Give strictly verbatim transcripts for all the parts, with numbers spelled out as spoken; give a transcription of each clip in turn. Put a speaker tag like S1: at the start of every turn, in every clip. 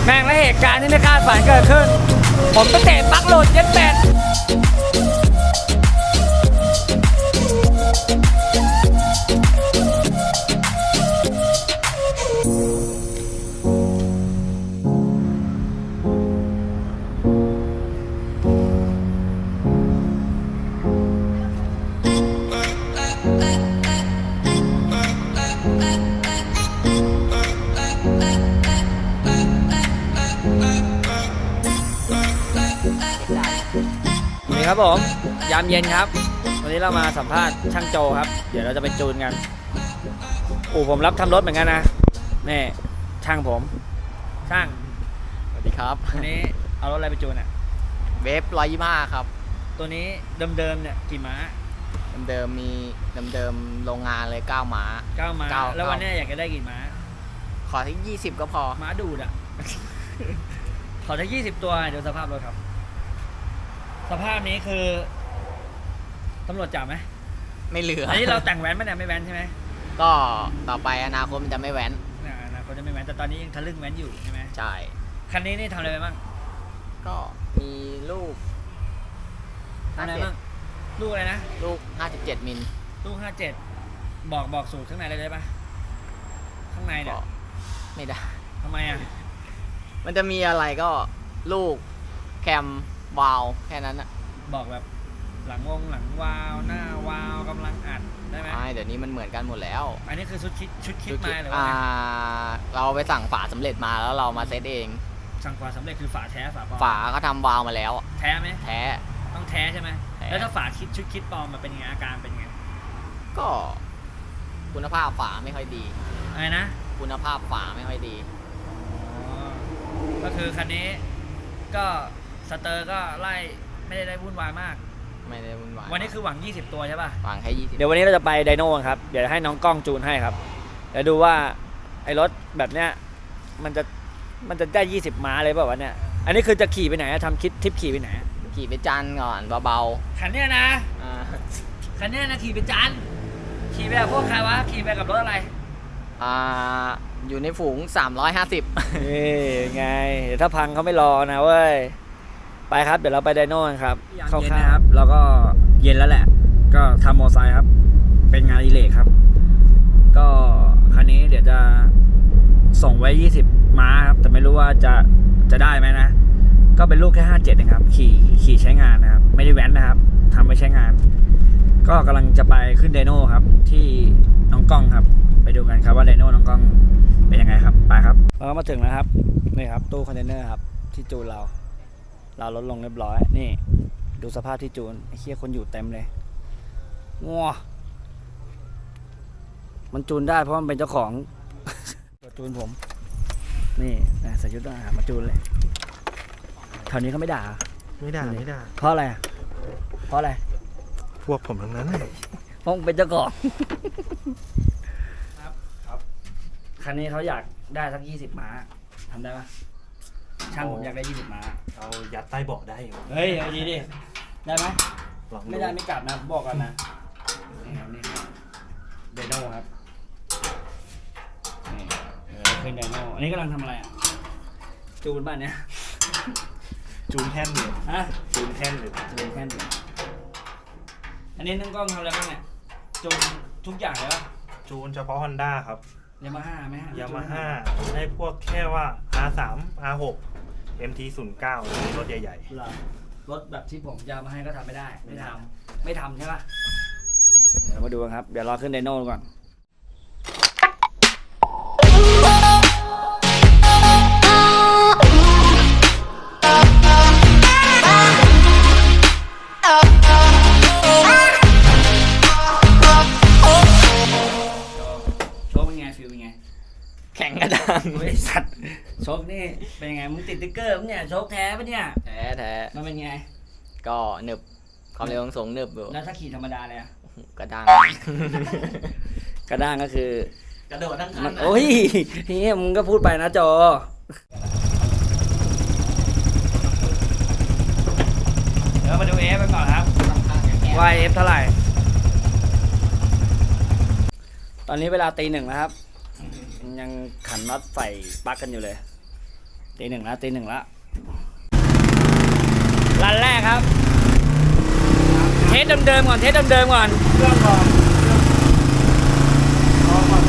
S1: แม่งและเหตุการณ์ที่ไม่คาดฝันเกิดขึ้นผมไปเตะปลั๊กหลุดเย็ดเป็ดนี่ครับผมยามเย็นครับวันนี้เรามาสัมภาษณ์ช่างโจครับเดี๋ยวเราจะไปจูนกันอู่ผมรับทำรถเหมือนกันนะนี่ช่างผมช่าง
S2: สวัสดีครับ
S1: วันนี้เอารถอะไรไปจูนอ่ะ
S2: เวฟร้อยยี่ห้าครับ
S1: ตัวนี้เดิมๆเนี่ยกี่ม้า
S2: เดิมๆมีเดิมๆโรงงานเลยเก้าม้า
S1: เก้าม้าแล้ววันนี้อยากจะได้กี่ม้า
S2: ขอที่ยี่สิบก็พอ
S1: ม้าดูดอ่ะ ขอที่ยี่สิบตัวเดี๋ยวสภาพรถครับสภาพนี้คือตำรวจจับไหม
S2: ไม่เหลือ
S1: อันนี้เราแต่งแว้นไหมเนี่ยไม่แว้นใช่ไหม
S2: ก็ต่อไปอนาคตมันจะไม่แว้น
S1: อนาคตจะไม่แว้นแต่ตอนนี้ยังทะลึ่งแว้นอยู่ใช่ไหม
S2: ใช่
S1: คันนี้นี่ทำอะไรไปบ้าง
S2: ก็มีลูก
S1: อะไรบ้างลูกอะไรนะ
S2: ลูกห้าสิบเจ็ดมิล
S1: ลูกห้าเจ็ดบอกบอกสูตรข้างในเลยได้ปะข้างในเนี่ย
S2: ไม่ได้
S1: ทำไมอ่ะ
S2: มันจะมีอะไรก็ลูกแคมวาลแค่นั้นอะ
S1: บอกแบบหลังวงหลังวาลหน้าวาลกำลังอัดได้ไหม
S2: ไม่เดี๋ยวนี้มันเหมือนกันหมดแล้ว
S1: อันนี้คือชุดคิดชุดคิดมาหรือว่า
S2: เราไปสั่งฝาสำเร็จมาแล้วเรามาเซตเอง
S1: สั่งฝาสำเร็จคือฝาแท้ฝาปลอม
S2: ฝาเขาทำวาลมาแล้ว
S1: แท้ไหม
S2: แท้
S1: ต้องแท้ใช่ไหมแล้วถ้าฝาคิดชุดคิดปลอมมันเป็นยังไงอาการเป็นยังไง
S2: ก็คุณภาพฝาไม่ค่อยดี
S1: อะไรนะ
S2: คุณภาพฝาไม่ค่อยดี
S1: ก็คือคันนี้ก็สเตอร์ก็ไล่ไม่ได้ได้วุ่นวายมาก
S2: ไม่ได้วุ่นวาย
S1: วันนี้คือหวังยี่สิบตัวใช่ป่ะ
S2: หวังแค่ยี่สิบ
S1: เดี๋ยววันนี้เราจะไปไดโน่ครับเดี๋ยวให้น้องกล้องจูนให้ครับเดี๋ยวดูว่าไอ้รถแบบเนี้ยมันจะมันจะได้ยี่สิบม้าเลยเปล่าวะเนี่ยอันนี้คือจะขี่ไปไหนทำคิดทริปขี่ไปไหน
S2: ขี่ไปจันก่อนเบา
S1: ๆคันเนี้ยนะคันเนี้ยนะขี่ไปจันขี่ไปกับพวกใครวะขี่ไปกับรถอะไร
S2: อ่าอยู่ในฝูงสามร้อยห้าสิบ
S1: นี่ไงเดี๋ยวถ้าพังเขาไม่รอนะเว้ยไปครับเดี๋ยวเราไปไดโน่กันครับเข้าค่ายครับแล้วก็เย็นแล้วแหละก็ทำมอไซค์ครับเป็นงานอิเล็กครับก็คันนี้เดี๋ยวจะส่งไว้ยี่สิบม้าครับแต่ไม่รู้ว่าจะจะได้ไหมนะก็เป็นลูกแค่ห้าเจ็ดนะครับขี่ขี่ใช้งานนะครับไม่ได้แว้นนะครับทำไว้ใช้งานก็กำลังจะไปขึ้นไดโน่ครับที่น้องกล้องครับไปดูกันครับว่าไดโน่น้องกล้องเป็นยังไงครับไปครับเราก็มาถึงแล้วครับนี่ครับตู้คอนเทนเนอร์ครับที่จูนเราเราลดลงเรียบร้อยนี่ดูสภาพที่จูนไอ้เหี้ยคนอยู่เต็มเลยงัวมันจูนได้เพราะมันเป็นเจ้าของตัวจูนผมนี่ใส่ชุดทหารมาจูนเลยแถวนี้เขาไม่ด่า
S3: ไม่ด่าไม่ด่า
S1: เพราะอะไรเพราะอะไร
S3: พวกผมทั้งนั้น
S1: เพราะเป็นเจ้าของครับครับคันนี้เขาอยากได้สักยี่สิบม้าทำได้ปะช่างผมอยากได้ยี่สิบม้า
S3: เอายัดใต้เบาะได้
S1: เฮ้ยเอาดีดิได้ไหมไม่ได้ไม่กลับนะบอกกันนะนี่ครับนี่ไดโน่ครับนี่ขึ้นไดโน่อันนี้กำลังทำอะไรอ่ะจูนบ้านเนี้ย
S3: จูนแท่นอยู่
S1: ฮะ
S3: จูนแท่นอยู่
S1: จูนแท่นอยู่อันนี้นั่งกล้องทำอะไรบ้างเนี่ยจูนทุกอย่างเลยป่ะ
S3: จูนเฉพาะ Honda ครับ
S1: ยามาฮ่าไหม
S3: ยามาฮ่าให้พวกแค่ว่า อาร์ สาม อาร์ หก เอ็ม ที ศูนย์ เก้า รถใหญ่
S1: ๆรถแบบที่ผมยามาให้ก็ทำไม่ได้ไม่ทำไม่ทำใช่ป่ะเดี๋ยวมาดูกันครับเดี๋ยวรอขึ้นไดโน่ก่อน
S2: แข่งกระดัง
S1: บริษัทโชคนี่เป็นยังไงมึงติดติ๊กเกอร์มั้งเนี่ยโชคแท้ปะเนี่ย
S2: แท้แท้
S1: มันเป็นไง
S2: ก็หนึบความเร็วสูงหนึบอยู่
S1: แล้วถ้าขี่ธรรมดาเลยอะ
S2: กระด้าง
S1: กระด้างก็คื
S2: อกระโดดทั้งคัน
S1: โอ้ยนี่มึงก็พูดไปนะจอเดี๋ยวมาดูเอฟไปก่อนครับว่าเอฟเท่าไหร่ตอนนี้เวลาตีหนึ่งแล้วครับยังขันน็อตใส่ปลั๊กกันอยู่เลยตีหนึ่งแล้วตีหนึ่งแล้วรันแรกครับเทสเดิมๆก่อนเทสเดิมๆก่อนเครื่องก่อนลองก่อน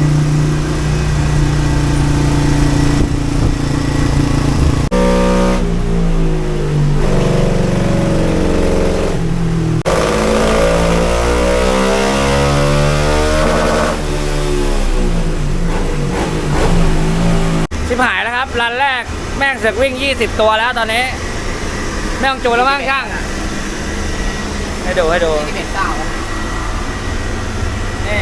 S1: ชิบหายแล้วครับรันแรกแม่งเสือกวิ่งยี่สิบตัวแล้วตอนนี้ไม่ต้องจูนแล้วมั้งช่างให้ดูให้ดู
S2: ที่เป็นเก้าแล้ว
S1: นี่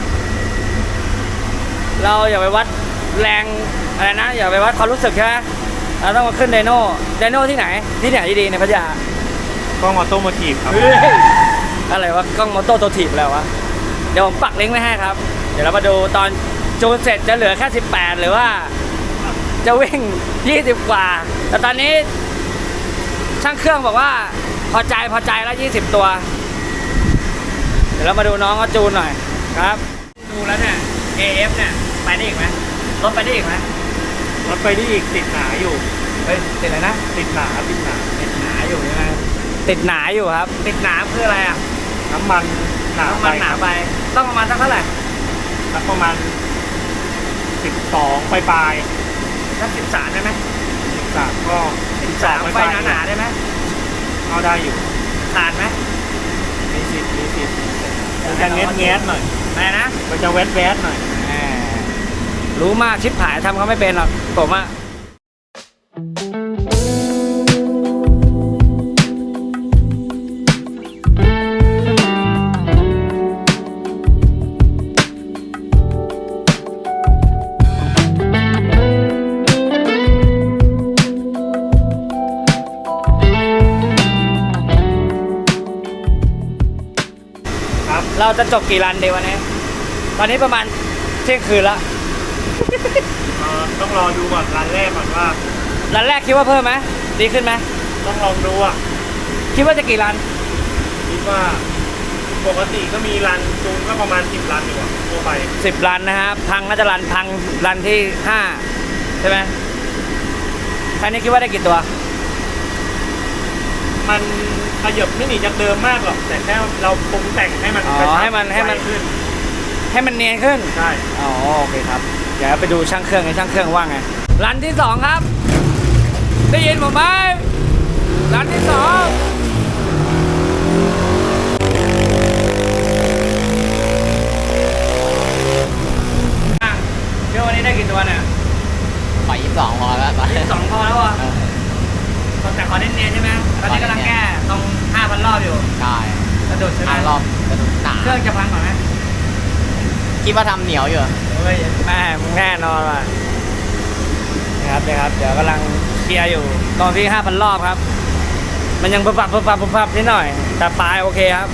S1: เราอย่าไปวัดแรงอะไรนะอย่าไปวัดความรู้สึกใช่ไหมเราต้องมาขึ้นไดโน่ไดโน่ที่ไหนที่ไหนดีๆในพัทยาก
S3: ล้องออโต้โมทีฟครับ
S1: เฮ้ยอะไรวะกล้องมอเตอร์ตัวถีบแล้ววะเดี๋ยวผมปักลิงก์ไว้ให้ครับเดี๋ยวเรามาดูตอนจูนเสร็จจะเหลือแค่สิบแปดหรือว่าจะวิ่งยี่สิบกว่าแต่ตอนนี้ช่างเครื่องบอกว่าพอใจพอใจแล้วยี่สิบตัว เดี๋ยวเรามาดูน้องเขาจูนหน่อยครับดูแล้วเนี่ย เอ เอฟ เนี่ยไปได้อีกไหมรถไปได้อีกไหม
S3: รถไปได้อีกติดหนาอยู่
S1: เฮ้ยติดอะไรนะ
S3: ติดหนาติดหนา
S1: ติดหนาอยู่ใช่ไหมติดหนาอยู่ครับ ติดหนาคืออะไรอ่ะ
S3: น้ำมันหนา
S1: ต้อง
S3: ไป
S1: มันหนาไปต้องประมาณสักเท่าไหร่
S3: สักประมาณสิบสองปลายปลาย
S1: สักสิบสามได้ไหม
S3: สิบสามก็สิบส
S1: สา
S3: อง
S1: ม
S3: ปลาย
S1: ไฟ
S3: ปลาย
S1: หนาๆได้ไหม
S3: เอาได้อยู่
S1: ขาดไหม
S3: มีสิบมีสิบมันจะเงี้ยเงี้ยหน่อย
S1: อะไรนะ
S3: มันจะแวดแวดหน่อย
S1: แหมรู้มากชิบหายทำเขาไม่เป็นหรอกผมอะ
S3: ครับ
S1: เราจะจบกี่รันดีวันนี้ ตอนนี้ประมาณเที่ยงคืนละ
S3: เอ่อต้องรอดูก่อนร้านแรกก่อนว่า
S1: รันแรกคิดว่าเพิ่มไหมดีขึ้นไหม
S3: ต้องลองดูอ่ะ
S1: คิดว่าจะกี่รัน
S3: คิดว่าปกติก็มีรันจูนก็ประมาณสิบรันอยู่อ่ะทั่วไป
S1: สิบรันนะครับพังน่าจะรันพังรันที่ห้าใช่ไหมครั้งนี้คิดว่าได้กี่ตัว
S3: มันขยับไม่หนีจากเดิมมากหรอกแต่แค่เราปรุงแต่งให้มัน
S1: อ๋อก
S3: ระชับ
S1: ให้มันให้มัน
S3: ไวขึ้น
S1: ให้มันเนียนขึ้น
S3: ใช่
S1: อ๋อโอเคครับเดี๋ยวไปดูช่างเครื่องในช่างเครื่องว่าไงรันที่สองครับ ได้ยินผมไหมรันที่สองอ่ะเดี๋ยววันนี้ได้กี่ตัวเนี่ย
S2: ปล่อยยี่สิบสองพอแล้วตอนนี้
S1: สองพอแล้วอ่ะ
S2: เออ
S1: แต่ขอเนียนๆใช่ไหมตอนนี้กำลังแก้ตรงห้าพันรอบอยู่
S2: ใช่
S1: กระโดดใช่ไหม
S2: ห้ารอบกระดูกหนา
S1: เครื่องจะพังก่อนไหม
S2: คิดว่าทำเหนียวอยู่
S1: เฮ้ยแม่มึงแน่นอนว่ะนะครับเดี๋ยวครับ เดี๋ยวกำลังเคลียร์อยู่ตอนที่ห้าพันรอบครับ มันยังปุบปับปุบปับปุบปับนิดหน่อย แต่ปลายโอเคครับ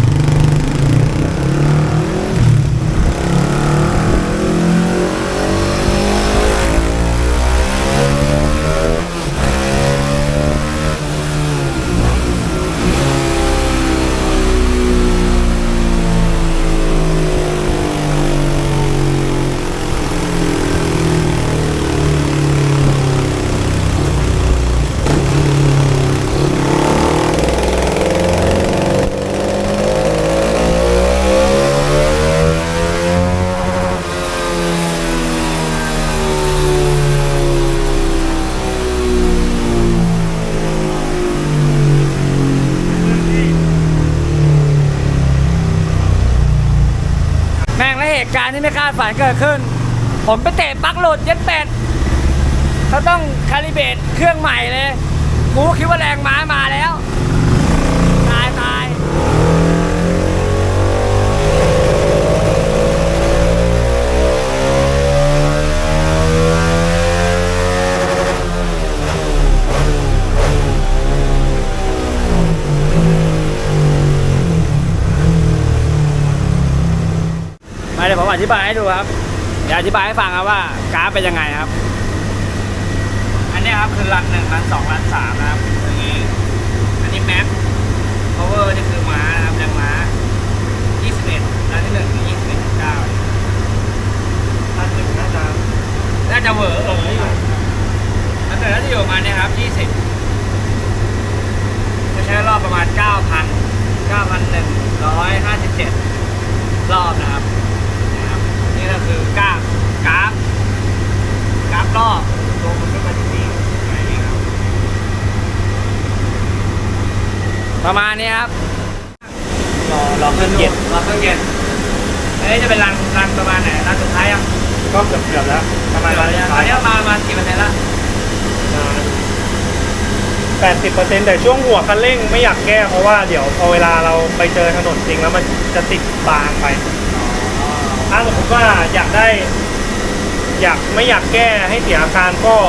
S1: แม่งและเหตุการณ์ที่ไม่คาดฝันเกิดขึ้น ผมไปเตะปลั๊กหลุดเย็ดเป็ดเขาต้องคาลิเบรตเครื่องใหม่เลยกูคิดว่าแรงม้ามาแล้ว ตายตายมาเดี๋ยวผมอธิบายให้ดูครับ เดี๋ยวอธิบายให้ฟังครับว่ากราฟเป็นยังไงครับ อันนี้ครับคือรันหนึ่งรันสองรันสามนะครับอย่างนี้ อันนี้แม็กพาวเวอร์นี่คือม้านะครับแรงม้ายี่สิบเอ็ดรันที่หนึ่งคือยี่สิบเอ็ดจุดเก้า
S3: รันหนึ่งน่าจะ
S1: น่าจะเหวอร์เอออยู่เกิดน่าจะอยู่ประมาณเนี้ยครับยี่สิบจะใช้รอบประมาณเก้าพันเก้าพันหนึ่งร้อยห้าสิบเจ็ดรอบนะครับนะครับนี่ก็คือกราฟกราฟกราฟรอบตัวมันก็มาที่นี่อะไรอย่างเงี้ยครับประมาณนี้ครับรอรอเครื่องเย็นรอเครื่องเย็นอันนี้จะเป็นรังรังประมาณไหนรังสุดท้ายอ่ะ
S3: ก็เกือบเกือบๆแล้วประมาณ
S1: ตอนนี้ตอนนี้มามากี่เปอร์เซ็นต์ละ
S3: แปดสิบเปอร์เซ็นต์แต่ช่วงหัวคันเร่งไม่อยากแก้เพราะว่าเดี๋ยวพอเวลาเราไปเจอถนนจริงแล้วมันจะติดบางไปถ้าสมมติว่าอยากได้ อยากไม่อยากแก้ให้เสียอาการก็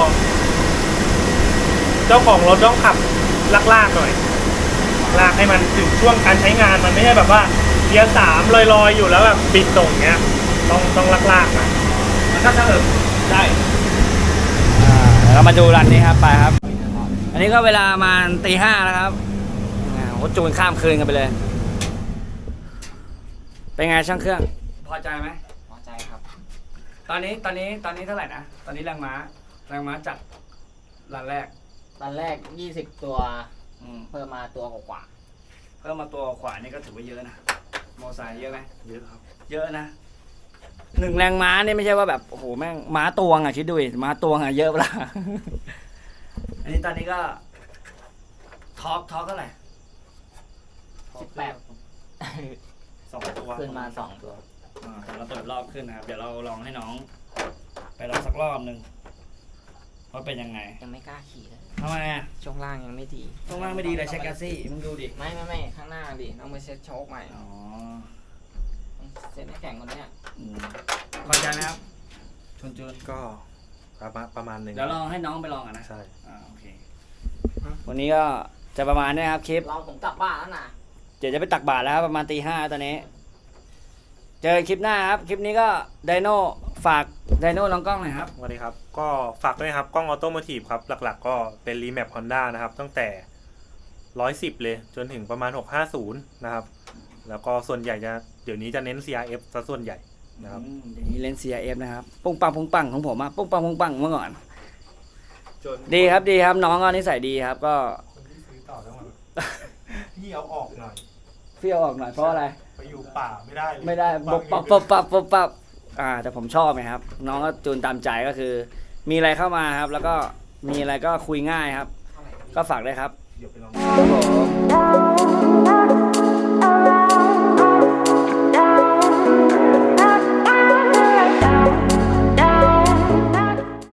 S3: เจ้าของรถต้องขับลากๆหน่อยลากให้มันถึงช่วงการใช้งานมันไม่ใช่แบบว่าเกียร์สามลอยๆอยู่แล้วแบบบิดตรงเงี้ยต้องต้องลากๆนะ
S1: มันก็สะอึกได้เรามาดูรันนี้ครับไปครับ อันนี้ก็เวลามาตีห้าแล้วครับอ่าโหจูนข้ามคืนกันไปเลย เป็นไงช่างเครื่อง พอใจไหม
S2: พอใจครับ
S1: ตอนนี้ตอนนี้ตอนนี้เท่าไหร่นะ ตอนนี้แรงม้าแรงม้าจากรันแรก
S2: ตอนแรกยี่สิบตัว
S1: อืม
S2: เพิ่มมาตัวกว่า
S1: เพิ่มมาตัวขวานี่ก็ถือว่าเยอะนะมอไซค์เยอะไหม
S3: เยอะครับ
S1: เยอะนะหนึ่งแรงม้านี่ไม่ใช่ว่าแบบโอ้โหแม่งม้าตวงอ่ะคิดดูดิม้าตวงอ่ะเยอะเปล่า อันนี้ตอนนี้ก็ทอล์กทอล์กเท่าไหร่
S2: สิบแปด
S3: สองตัว
S2: ขึ้นมาสองตัว
S1: อ่าแต่เราเปิดรอบขึ้นนะครับ เดี๋ยวเราลองให้น้อง ไปลองสักรอบหนึ่งว่าเป็นยังไง
S2: ยังไม่กล้าขี่เลย
S1: ทำไมอ่ะ
S2: ช่วงล่างยังไม่ดี
S1: ตรงล่างไม่ดีเลยเช็คแกสซี่มึงดูดิ
S2: ไม่ไม่ไม่ข้างหน้าดิต้องไปเซ็ตโชคใหม่
S1: อ๋อ
S2: เซ็ตให้แข็งกว่านี้
S1: อืมพอใจไหมครับชวนจูน
S3: ก็ประมาณประมาณหนึ่ง
S1: เดี๋ยวลองให้น้องไปลองกันนะ
S3: ใช่
S1: อ่าโอเค วันนี้ก็จะประมาณนี้ครับคลิป
S2: เราผมกลับบ้านแล้วนะ
S1: เดี๋ยวจะไปตักบาตรแล้วครับประมาณตีห้าตอนนี้ เจอคลิปหน้าครับ คลิปนี้ก็ไดโน่ฝากไดโน่ลองกล้องหน่อยครับ
S3: สวัสดีครับ ก็ฝากด้วยครับ กล้องออโตโมทีฟครับ หลักๆ ก็เป็นรีแมปฮอนด้านะครับ ตั้งแต่ร้อยสิบเลย จนถึงประมาณหกห้าศูนย์นะครับ แล้วก็ส่วนใหญ่จะเดี๋ยวนี้จะเน้น ซี อาร์ เอฟ ซะส่วนใหญ่นะครับ
S1: อืมเดี๋ยวนี้เล่น ซี อาร์ เอฟ นะครับปุ้งปังปุ้งปังของผมอะปุ้งปังปุ้งปังเมื่อก่อน ดีครับดีครับน้องก็นิสัยดีครับ ก็
S3: คนที่ซื้อต่อต้องมาพี่เอาออกหน่อย
S1: เฟี้ยวออกหน่อยเพราะอะไร
S3: ไปอยู่ป่าไม่ได้เลย
S1: ไม่ได้บกปับปับปับปับปับอ่าแต่ผมชอบไงครับ น้องก็จูนตามใจก็คือ มีอะไรเข้ามาครับ แล้วก็มีอะไรก็คุยง่ายครับ ก็ฝากด้วยครับ
S3: เดี๋ยวไปลอง
S1: ครับผม